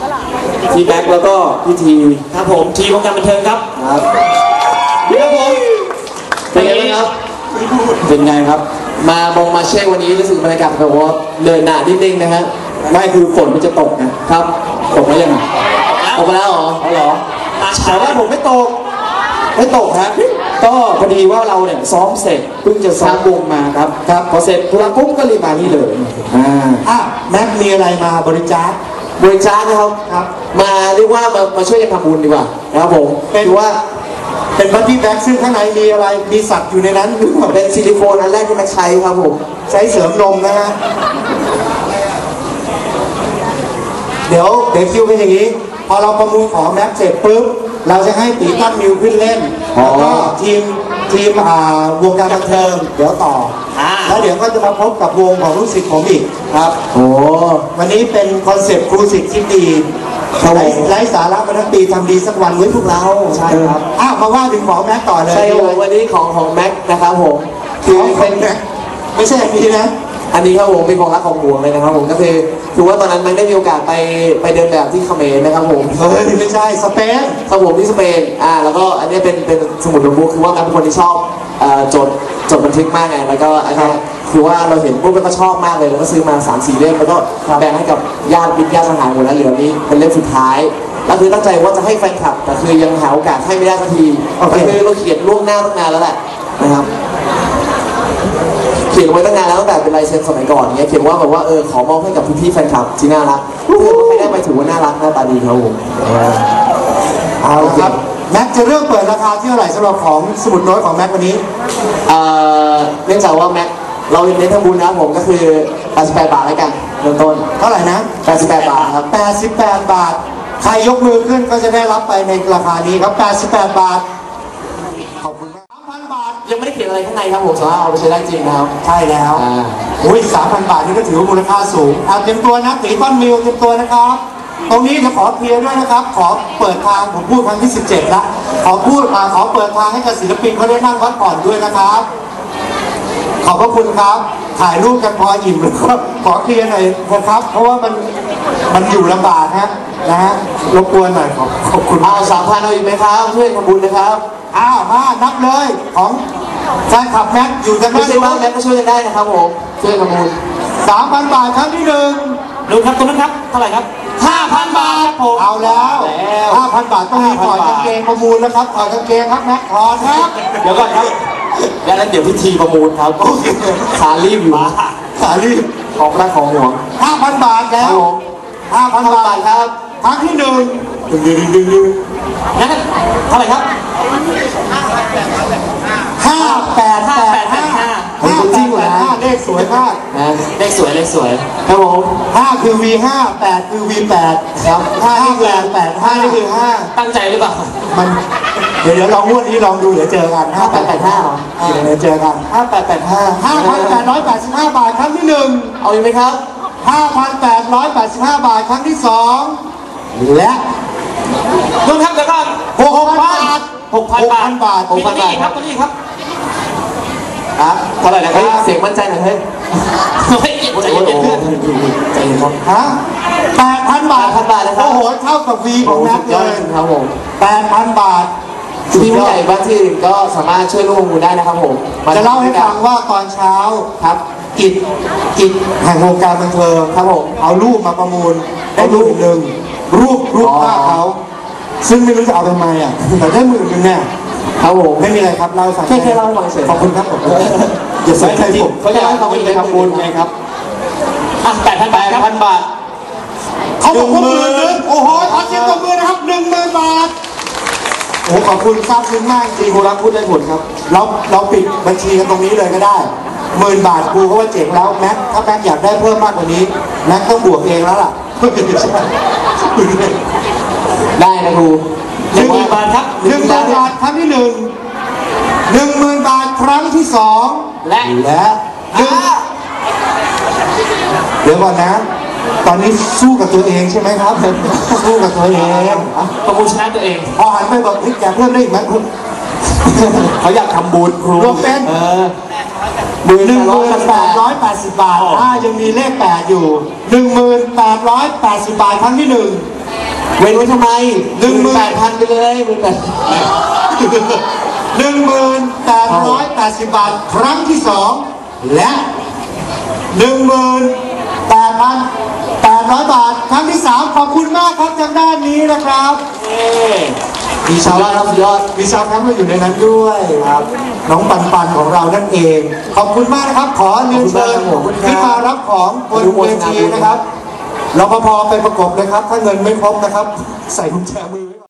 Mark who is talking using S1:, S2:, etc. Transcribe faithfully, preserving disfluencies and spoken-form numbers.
S1: พี่แบ็คแล้วก็พี่ทีครับผมทีวงการบันเทิงครับครับครับผมเป็นไงบ้างครับเป็นไงครับมามองมาเช็ควันนี้รู้สึกบรรยากาศแบบว่าเดินหน้านิดนึงนะฮะไม่คือฝนมันจะตกนะครับตกแล้วยังตกไปแล้วเหรอเหรอแต่ว่าผมไม่ตกไม่ตกฮะก็พอดีว่าเราเนี่ยซ้อมเสร็จเพิ่งจะซ้อมวงมาครับครับพอเสร็จธุระปุ๊บก็รีบมานี่เลยอ่าอ่ะแม็กมีอะไรมาบริจาคบริจาคนะครับครับมาเรียกว่ามามาช่วยกันทำบุญดีกว่านะครับผมคือว่าเป็นบัตตี้แบ็กซึ่งข้างในมีอะไรมีสัตว์อยู่ในนั้นเป็นซิลิโคนอันแรกที่แม็กใช้ครับผมใช้เสริมนมนะฮะเดี๋ยวเดี๋ยวคิวเป็นอย่างนี้พอเราประมูลของแม็กเสร็จปุ๊บเราจะให้ตีตั้มมิวขึ้นเล่นแล้วก็ทีมทีมอ่าวงการบันเทิงเดี๋ยวต่อแล้วเดี๋ยวก็จะมาพบกับวงของลูกศิษย์ผมอีกครับโอ้วันนี้เป็นคอนเซ็ปต์ครูศิษย์ที่ดีไร้สาระมาทั้งปีทำดีสักวันไว้พวกเราใช่ครับอ้าวมาว่าถึงของแม็กต่อเลยใช่เลยวันนี้ของของแม็กนะครับผมคือเป็นไม่ใช่อันนี้นะอันนี้ครับผมเป็นของรักของห่วงเลยนะครับผมก็คือคือว่าตอนนั้นมันได้มีโอกาสไปไปเดินแบบที่เขมรนะครับผมเฮ้ยไม่ใช่สเปนครับผมที่สเปนอ่าแล้วก็อันนี้เป็นเป็นสมุดโน้ตบุ๊กคือว่าแม็กเป็นคนที่ชอบจดจดบันทึกมากไงแล้วก็อันนี้คือว่าเราเห็นปุ๊บแล้วก็ชอบมากเลยแล้วก็ซื้อมาสามสี่เล่มแล้วก็แบ่งให้กับญาติมิตรญาติสหายหมดแล้วเหลือนี้เป็นเล่มสุดท้ายแล้วคือตั้งใจว่าจะให้แฟนคลับแต่คือยังหาโอกาสให้ไม่ได้สักทีก็คือเราเขียนล่วงหน้าตั้งนานแล้วแหละนะครับเขียนไว้ตั้งนานแล้วตั้งแต่เป็นลายเซ็นสมัยก่อนเนี้ยเขียนว่าแบบว่าเออขอมอบให้กับพี่ๆแฟนคลับที่น่ารักคือไม่ได้ไปถือว่าน่ารักหน้าตาดีครับผมเอาละครับแม็กจะเริ่มเปิดราคาที่เท่าไหร่สำหรับของสมุดโน้ตของแม็กวันนี้เนื่องจากว่าแม็กเราเน้นทำบุญนะผมก็คือแปดสิบแปดบาทแล้วกันเริ่มต้นเท่าไหร่นะแปดสิบแปดบาทครับแปดสิบแปดบาทใครยกมือขึ้นก็จะได้รับไปในราคานี้ครับแปดสิบแปดบาทขอบคุณมาก สามพัน บาทยังไม่ได้เขียนอะไรข้างในครับผมสามารถเอาไปใช้ได้จริงนะครับใช่แล้วอุ้ย สามพัน บาทนี่ก็ถือว่ามูลค่าสูงเอาเตรียมตัวนะตีต้นมิวเตรียมตัวนะครับตรงนี้จะขอเคลียร์ด้วยนะครับขอเปิดทางผมพูดครั้งที่สิบเจ็ดละขอพูดมาขอเปิดทางให้กับศิลปินเขาได้นั่งพักผ่อนด้วยนะครับขอบพระคุณครับถ่ายรูปกันพออิ่มแล้วก็ขอเคลียร์หน่อยนะครับเพราะว่ามันมันอยู่ลำบากฮะนะฮะรบกวนหน่อยขอบขอบคุณอ้าวสามพันเอาอีกไหมครับช่วยทำบุญนะครับอ้าวมานับเลยของแฟนคลับแม็กอยู่กันไม่ใช่บ้างแม็กก็ช่วยกันได้นะครับผมช่วยทำบุญสามพันบาทครั้งที่หนึ่งดูครับตรงนั้นครับเท่าไหร่ครับห้าพันบาทผมเอาแล้วห้าพันบาทต้องมีถอดกางเกงประมูลนะครับถอดกางเกงครับแม็กถอดครับเดี๋ยวก่อนครับแล้วเดี๋ยวพิธีประมูลครับขารีบอยู่ขารีบของรักของห่วงห้าพันบาทแล้วห้าพันบาทครับครั้งที่หนึ่งดึงดึงดึงดึงงั้นเท่าไหร่ครับห้าแปดห้าแปดห้าห้าจริงเหรอเลขสวยมากเลขสวยเลขสวยครับผมห้าคือ วี ห้า แปดคือ วี แปดครับห้าแปดแปดห้านี่คือห้าตั้งใจหรือเปล่ามันเดี๋ยวเดี๋ยวลองงวดนี้ลองดูเดี๋ยวเจอกันห้าแปดแปดห้าเดี๋ยวเจอกันห้าแปดแปดห้าห้าพันแปดร้อยแปดสิบห้าบาทครั้งที่หนึ่งเอาอีกไหมครับห้าพันแปดร้อยแปดสิบห้าบาทครั้งที่สองและรวมทั้งเดี๋ยวก่อนหกพันบาทหกพันบาทหกพันบาทครับตัวนี้ครับอ่ะเท่าไหร่นะครับเสียงมั่นใจหน่อยเฮ้ยไม่เก็บใจเย็นเพื่อนใจเย็นครับฮะแปดพันบาทพันบาทนะครับโอ้โหเท่ากับวีของแม็กเลยครับผมแปดพันบาทที่ผู้ใหญ่บ้านที่อื่นก็สามารถช่วยร่วมประมูลได้นะครับผมจะเล่าให้ฟังว่าตอนเช้าครับกิจกิจแห่งวงการบันเทิงครับผมเอารูปมาประมูลได้รูปหนึ่งรูปรูปภาพเขาซึ่งไม่รู้จะเอาทำไมอ่ะแต่ได้หมื่นหนึ่งเนี่ยครับผมไม่มีอะไรครับเล่าให้ฟังแค่แค่เล่าให้ฟังเฉยขอบคุณครับผมอย่าใส่ใจผมเขาอยากให้เขาไปทำบุญไงครับอ่ะแปดพันบาทพันบาทเขาบอกว่าหมื่นหนึ่งโอ้โหขอเสียงตบมือนะครับหนึ่งหมื่นบาทโอ้ขอบคุณทราบซึ้งมากจริงครูรักพูดได้ผลครับเราเราปิดบัญชีกันตรงนี้เลยก็ได้หมื่นบาทครูเขาว่าเจ๋งแล้วแม็กถ้าแม็กอยากได้เพิ่มมากกว่านี้แม็กต้องบวกเองแล้วล่ะได้นะครูหนึ่งหมื่นบาทครับหนึ่งหมื่นบาทครั้งที่หนึ่งหนึ่งหมื่นบาทครั้งที่สองและและหนึ่งเดี๋ยวก่อนนะตอนนี้สู้กับตัวเองใช่ไหมครับสู้กับตัวเองประมูลชนะตัวเองพอหันไปบอกพี่แกเพิ่มได้อีกไหมคุณเขาอยากทำบุญครูรวมเป็นหนึ่งหมื่นแปดร้อยแปดสิบบาทถ้ายังมีเลขแปดอยู่หนึ่งหมื่นแปดร้อยแปดสิบบาทครั้งที่หนึ่งเว้นไว้ทำไมหนึ่งหมื่นแปดพันไปเลยหมื่นแปด
S2: หนึ่งหมื่นแปดร้อยแปดสิบบาทครั้งที่สองและหนึ่งหมื่นแปดพันแปดร้อยบาทครั้งที่สามขอบคุณมากครับจากด้านนี้นะครับมีชาวบ้านรับยอดมีชาวทั้งมาอยู่ในนั้นด้วยครับน้องปันปันของเรานั่นเองขอบคุณมากนะครับขอเรียนเชิญขึ้นมารับของบนเวทีนะครับรปภไปประกบเลยครับถ้าเงินไม่ครบนะครับใส่กุญแจมือ